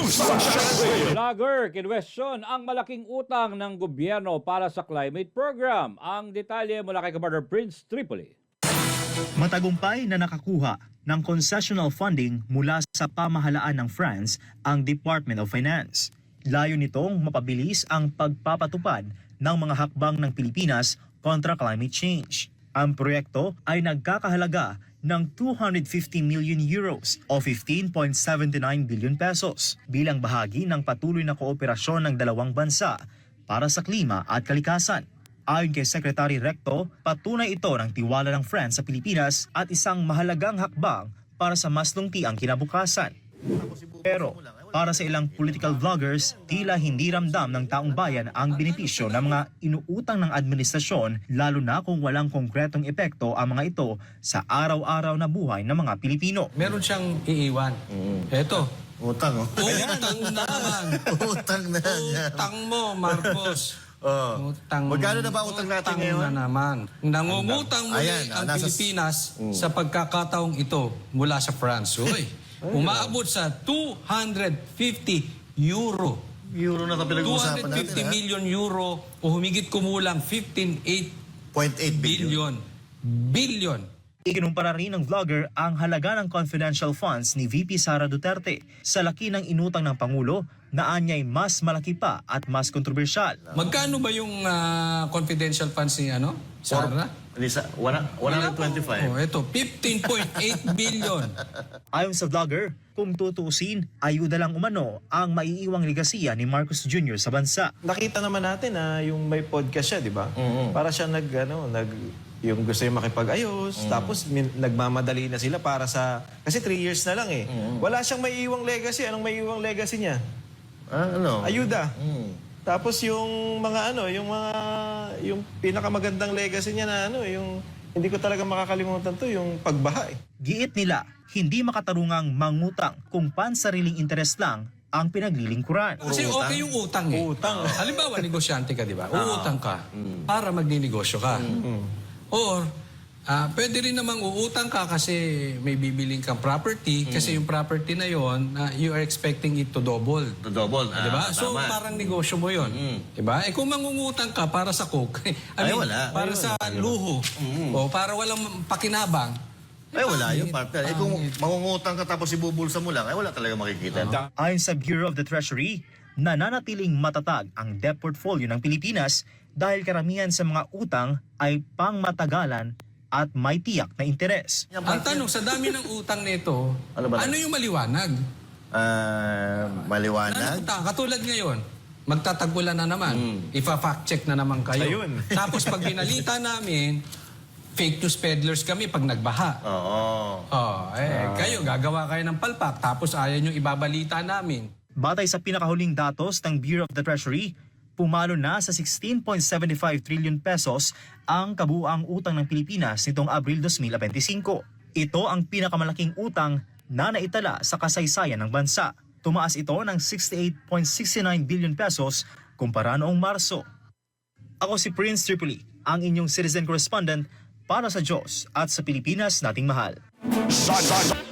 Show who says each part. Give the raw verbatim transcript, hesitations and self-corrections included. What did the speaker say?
Speaker 1: Vlogger, kinwestiyon ang malaking utang ng gobyerno para sa climate program. Ang detalye mula kay Commander Prince Tripoli.
Speaker 2: Matagumpay na nakakuha ng concessional funding mula sa pamahalaan ng France ang Department of Finance. Layo nitong mapabilis ang pagpapatupad ng mga hakbang ng Pilipinas kontra climate change. Ang proyekto ay nagkakahalaga ng two hundred fifty million euros o fifteen point seven nine billion pesos bilang bahagi ng patuloy na kooperasyon ng dalawang bansa para sa klima at kalikasan. Ayon kay Secretary Recto, patunay ito ng tiwala ng France sa Pilipinas at isang mahalagang hakbang para sa mas lungtiang kinabukasan. Pero para sa ilang political vloggers, tila hindi ramdam ng taong bayan ang benepisyo ng mga inuutang ng administrasyon, lalo na kung walang konkretong epekto ang mga ito sa araw-araw na buhay ng mga Pilipino.
Speaker 3: Meron siyang iiwan.
Speaker 4: Mm.
Speaker 3: Eto.
Speaker 4: Utang, oh.
Speaker 3: Utang na naman.
Speaker 4: Utang na yan.
Speaker 3: Utang mo, Marcos.
Speaker 4: Oh.
Speaker 3: Utang,
Speaker 4: Magkano na ba utang natin
Speaker 3: utang
Speaker 4: ngayon?
Speaker 3: na naman. Nangungutang muli
Speaker 4: Ayan,
Speaker 3: ang
Speaker 4: nasa-
Speaker 3: Pilipinas sa pagkakataong ito mula sa France. Uy, umaabot sa two hundred fifty euro.
Speaker 4: Euro na ito pinag-uusapan natin,
Speaker 3: two hundred fifty
Speaker 4: ha?
Speaker 3: million euro o humigit kumulang fifteen point eight
Speaker 4: zero point eight billion.
Speaker 3: billion. Billion.
Speaker 2: Ikinumpara rin ng vlogger ang halaga ng confidential funds ni V P Sara Duterte sa laki ng inutang ng Pangulo na anyay mas malaki pa at mas kontrobersyal.
Speaker 3: Magkano ba yung ah, confidential funds ni ano? Sara?
Speaker 4: Hindi sa, one hundred twenty-five.
Speaker 3: Oh, ito, fifteen point eight billion.
Speaker 2: Ayon sa vlogger, kung tutuusin, ayuda lang umano ang maiiwang legasiya ni Marcos Junior sa bansa.
Speaker 5: Nakita naman natin na yung may podcast siya, di ba? Para siya nag, ano, nag, yung gusto yung makipag-ayos, tapos min, nagmamadali na sila para sa, kasi three years na lang eh. Wala siyang maiiwang legacy. Anong maiiwang legacy niya?
Speaker 4: Ah, ano?
Speaker 5: Ayuda.
Speaker 4: Mm.
Speaker 5: Tapos yung mga ano, yung mga, yung pinakamagandang legacy niya na ano, yung, hindi ko talaga makakalimutan to, yung pagbaha eh.
Speaker 2: Giit nila, hindi makatarungang mangutang kung pansariling interes lang ang pinaglilingkuran.
Speaker 3: Kasi okay yung utang eh.
Speaker 5: Utang.
Speaker 3: Halimbawa, negosyante ka, di ba? Uutang ka para magninegosyo ka. Or, ah, pwede rin namang uutang ka kasi may bibiling kang property kasi yung property na yon, ah, you are expecting it to double.
Speaker 4: To double.
Speaker 3: Di ba?
Speaker 4: Ah,
Speaker 3: So,
Speaker 4: tama.
Speaker 3: parang negosyo mo yon. Di ba? Eh, kung mangungutang ka para sa coke, I
Speaker 4: Ay,
Speaker 3: mean,
Speaker 4: wala.
Speaker 3: para sa luho, o para walang pakinabang,
Speaker 4: Ay, wala yun, partner. Eh, kung
Speaker 3: Pangit.
Speaker 4: mangungutang ka tapos ibubulsa mo lang, ay wala talaga makikita.
Speaker 2: Ayon sa Bureau of the Treasury, nananatiling matatag ang debt portfolio ng Pilipinas dahil karamihan sa mga utang ay pangmatagalan at may tiyak na interes.
Speaker 3: ang tanong, sa dami ng utang nito,
Speaker 4: Ano ba?
Speaker 3: ano yung maliwanag?
Speaker 4: Ah, maliwanag.
Speaker 3: Ano, ta, katulad ngayon, magtatagulan na naman. Ipa-fact check na naman kayo.
Speaker 5: Ayun.
Speaker 3: Tapos pag binalita namin, fake news peddlers kami pag nagbaha.
Speaker 4: Oo.
Speaker 3: Oh, eh, kayo, gagawa kayo ng palpak, tapos ayaw nyo ibabalita namin.
Speaker 2: Batay sa pinakahuling datos ng Bureau of the Treasury, pumalo na sa sixteen point seven five trillion pesos ang kabuuang utang ng Pilipinas nitong Abril twenty twenty-five. Ito ang pinakamalaking utang na naitala sa kasaysayan ng bansa. Tumaas ito ng sixty-eight point six nine billion pesos kumpara noong Marso. Ako si Prince Tripoli, ang inyong citizen correspondent para sa Diyos at sa Pilipinas nating mahal.